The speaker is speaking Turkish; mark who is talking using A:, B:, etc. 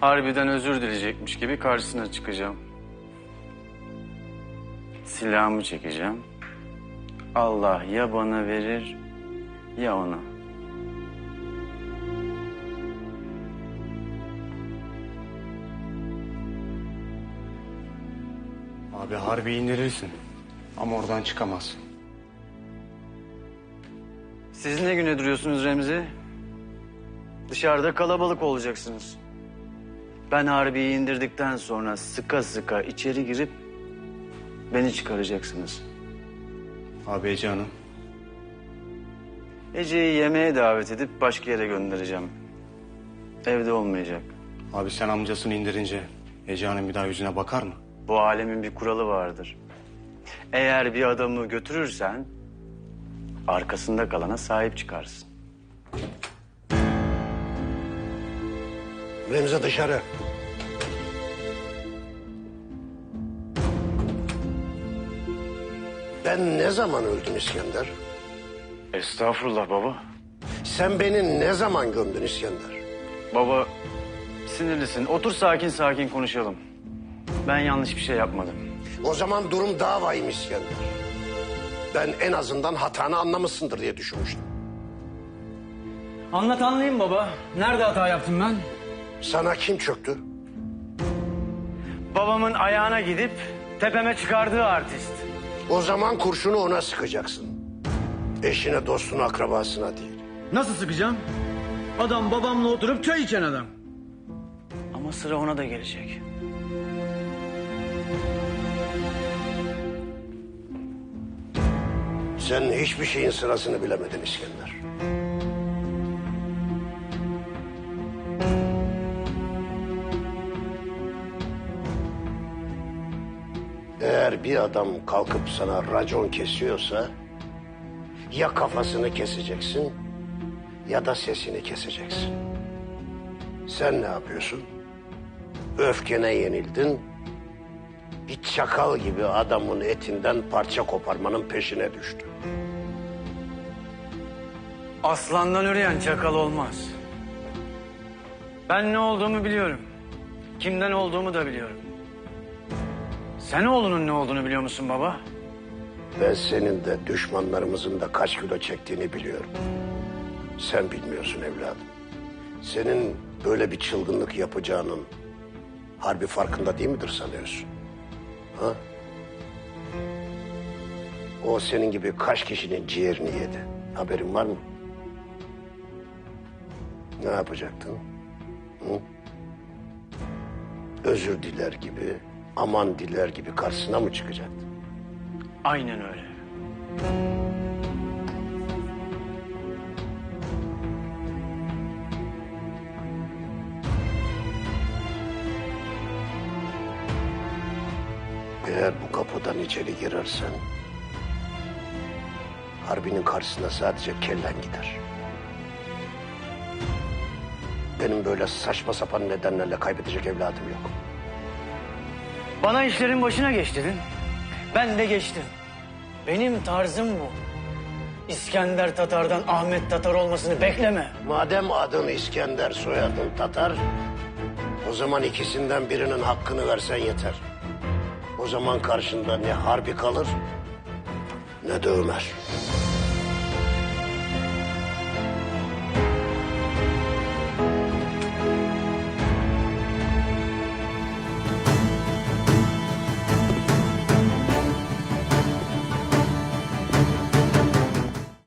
A: Harbiden özür dileyecekmiş gibi karşısına çıkacağım. Silahımı çekeceğim. Allah ya bana verir ya ona.
B: Abi harbi indirirsin. Ama oradan çıkamazsın.
A: Siz ne güne duruyorsunuz Remzi? Dışarıda kalabalık olacaksınız. Ben Harbi'yi indirdikten sonra sıka sıka içeri girip beni çıkaracaksınız.
B: Abi Ece Hanım.
A: Ece'yi yemeğe davet edip başka yere göndereceğim. Evde olmayacak.
B: Abi sen amcasını indirince Ece Hanım bir daha yüzüne bakar mı?
A: Bu alemin bir kuralı vardır. Eğer bir adamı götürürsen arkasında kalana sahip çıkarsın.
C: Remzi dışarı. Ben ne zaman öldüm İskender?
A: Estağfurullah baba.
C: Sen beni ne zaman gömdün İskender?
A: Baba sinirlisin. Otur sakin sakin konuşalım. Ben yanlış bir şey yapmadım.
C: O zaman durum daha vahim İskender. Ben en azından hatanı anlamışsındır diye düşünmüştüm.
A: Anlat anlayayım baba. Nerede hata yaptım ben?
C: Sana kim çöktü?
A: Babamın ayağına gidip tepeme çıkardığı artist.
C: O zaman kurşunu ona sıkacaksın. Eşine, dostuna, akrabasına değil.
A: Nasıl sıkacağım? Adam babamla oturup çay içen adam. Ama sıra ona da gelecek.
C: Sen hiçbir şeyin sırasını bilemedin İskender. Eğer bir adam kalkıp sana racon kesiyorsa ya kafasını keseceksin ya da sesini keseceksin. Sen ne yapıyorsun? Öfkene yenildin. Bir çakal gibi adamın etinden parça koparmanın peşine düştü.
A: Aslandan üreyen çakal olmaz. Ben ne olduğumu biliyorum. Kimden olduğumu da biliyorum. Sen oğlunun ne olduğunu biliyor musun baba?
C: Ben senin de düşmanlarımızın da kaç kilo çektiğini biliyorum. Sen bilmiyorsun evladım. Senin böyle bir çılgınlık yapacağının harbi farkında değil midir sanıyorsun? Ha? O senin gibi kaç kişinin ciğerini yedi. Haberin var mı? Ne yapacaktın? Hı? Özür diler gibi, aman diler gibi karşısına mı çıkacaktın?
A: Aynen öyle.
C: Eğer bu kapıdan içeri girersen Harbi'nin karşısına sadece kellen gider. Benim böyle saçma sapan nedenlerle kaybedecek evladım yok.
A: Bana işlerin başına geç dedin. Ben de geçtim. Benim tarzım bu. İskender Tatar'dan Ahmet Tatar olmasını bekleme.
C: Madem adın İskender, soyadın Tatar, o zaman ikisinden birinin hakkını versen yeter. O zaman karşında ne Harbi kalır ne de Ömer.